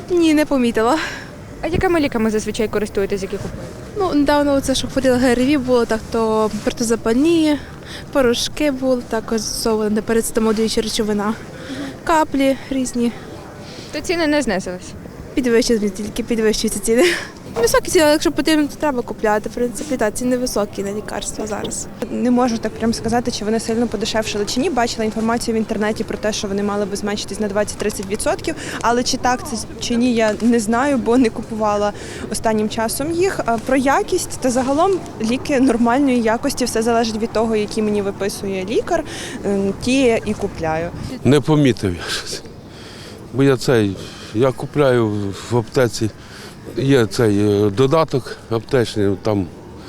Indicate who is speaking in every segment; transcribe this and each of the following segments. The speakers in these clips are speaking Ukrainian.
Speaker 1: Ні, не помітила.
Speaker 2: А якими ліками зазвичай користуєтесь, які купуєте?
Speaker 1: Ну, недавно це, що хворіла ГРВІ було, так то протизапальні, порошки були, також застосовували парацетамолююча речовина, каплі різні.
Speaker 2: То ціни не знизились.
Speaker 1: Підвищуються, тільки підвищуються ціни. Високі ціни, але якщо потрібно, то треба купляти. В принципі, так, ціни високі на лікарства зараз.
Speaker 3: Не можу так прямо сказати, чи вони сильно подешевшили чи ні. Бачила інформацію в інтернеті про те, що вони мали би зменшитись на 20-30%, але чи так це чи ні, я не знаю, бо не купувала останнім часом їх. А про якість та загалом ліки нормальної якості, все залежить від того, які мені виписує лікар, ті і купляю.
Speaker 4: Не помітив я щось. Бо я купляю в аптеці, є цей додаток аптечний, там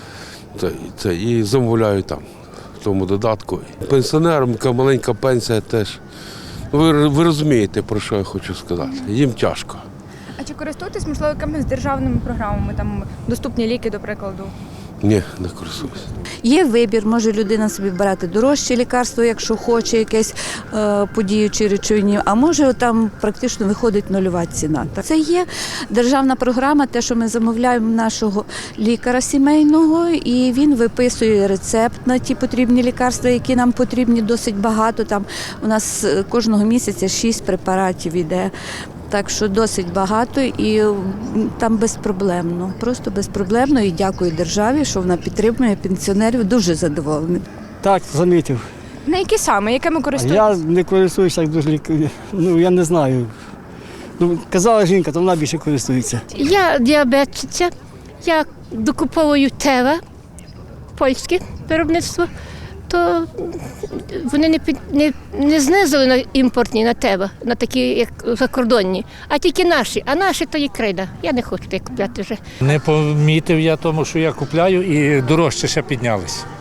Speaker 4: і замовляю там, в тому додатку. Пенсіонерам, яка маленька пенсія теж. Ви розумієте, про що я хочу сказати. Їм тяжко.
Speaker 2: А чи користуєтесь, можливо, якимись державними програмами, там доступні ліки, до прикладу?
Speaker 4: Ні, не користуюся.
Speaker 5: Є вибір, може людина собі брати дорожче лікарство, якщо хоче якесь подіючі речовині, а може там практично виходить нульова ціна. Це є державна програма, те, що ми замовляємо нашого лікаря сімейного, і він виписує рецепт на ті потрібні лікарства, які нам потрібні досить багато. Там у нас кожного місяця 6 препаратів іде. Так що досить багато і там безпроблемно, просто безпроблемно, і дякую державі, що вона підтримує пенсіонерів, дуже задоволений.
Speaker 6: Так, замітив.
Speaker 2: На які саме? Якими користуєтесь?
Speaker 6: Я не користуюся так дуже я не знаю. Казала жінка, то вона більше користується.
Speaker 7: Я діабетиця, я докуповую Тева, польське виробництво, то вони не знизили на імпортні, на Тева, на такі, як закордонні, а тільки наші. А наші то є крейда. Я не хочу так купляти вже.
Speaker 8: Не помітив я тому, що я купляю, і дорожче ще піднялись.